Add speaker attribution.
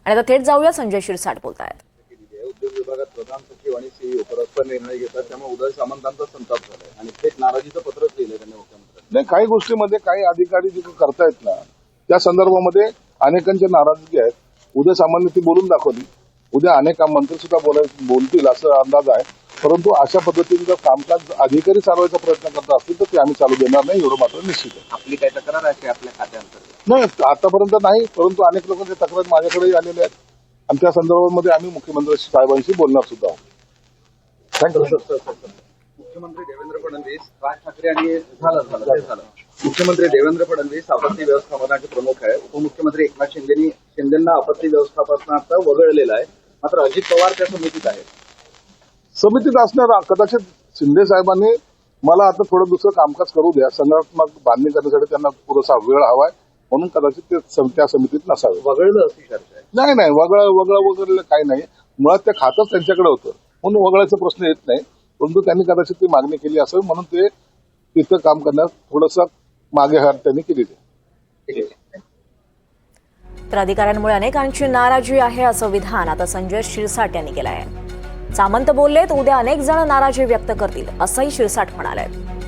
Speaker 1: आणि आता थेट जाऊया, संजय शिरसाट बोलतायत.
Speaker 2: उद्योग विभागात प्रधान सचिव आणि सीईओ परस्पर निर्णय घेतात, त्यामुळे उदय सामंतांचा संताप झालाय आणि थेट नाराजीचं पत्रच लिहिलंय त्यांनी मुख्यमंत्र्यांनी.
Speaker 3: नाही, काही गोष्टीमध्ये काही अधिकारी जे करतायत ना, त्या संदर्भामध्ये अनेकांच्या नाराजगी आहेत. उदय सामंतांनी ती बोलून दाखवली. उद्या अनेक मंत्री सुद्धा बोलतील असं अंदाज आहे. परंतु अशा पद्धतीने जर कामकाज अधिकारी चालवायचा प्रयत्न करत असतील तर ते आम्ही चालू देणार नाही, एवढं मात्र निश्चित आहे.
Speaker 2: आपली काय तक्रार आहे आपल्या खात्यांतर्गत?
Speaker 3: नाही, आतापर्यंत नाही, परंतु अनेक लोकांच्या तक्रार माझ्याकडेही आलेल्या आहेत आणि त्या संदर्भामध्ये आम्ही मुख्यमंत्री साहेबांशी बोलणार सुद्धा आहोत. थँक्यू.
Speaker 2: मुख्यमंत्री देवेंद्र फडणवीस, राज ठाकरे आणि झालं मुख्यमंत्री देवेंद्र फडणवीस आपत्ती व्यवस्थापनाचे प्रमुख आहे. उपमुख्यमंत्री एकनाथ शिंदेंना आपत्ती व्यवस्थापनाचा वगळलेला आहे. मात्र अजित पवार त्या समितीत आहेत.
Speaker 3: समितीत असणार कदाचित शिंदे साहेबांनी मला आता थोडं दुसरं कामकाज करू द्या, संघटनात्मक बांधणी करण्यासाठी त्यांना पुरेसा वेळ हवाय, म्हणून कदाचित ते त्या समितीत नसावे.
Speaker 2: वगळलं अशी चर्चा आहे.
Speaker 3: नाही, वगळलं काही नाही. मुळात ते खातच त्यांच्याकडे होतं म्हणून वगळायचा प्रश्न येत नाही. परंतु त्यांनी कदाचित ती मागणी केली असेल म्हणून ते तिथं काम करण्यास थोडंसं मागे हात त्यांनी केलेली आहे.
Speaker 1: तर अधिकाऱ्यांमुळे अनेकांची नाराजी आहे असं विधान आता संजय शिरसाट यांनी केलं आहे. सामंत बोललेत, उद्या अनेक जण नाराजी व्यक्त करतील असंही शिरसाट म्हणाले.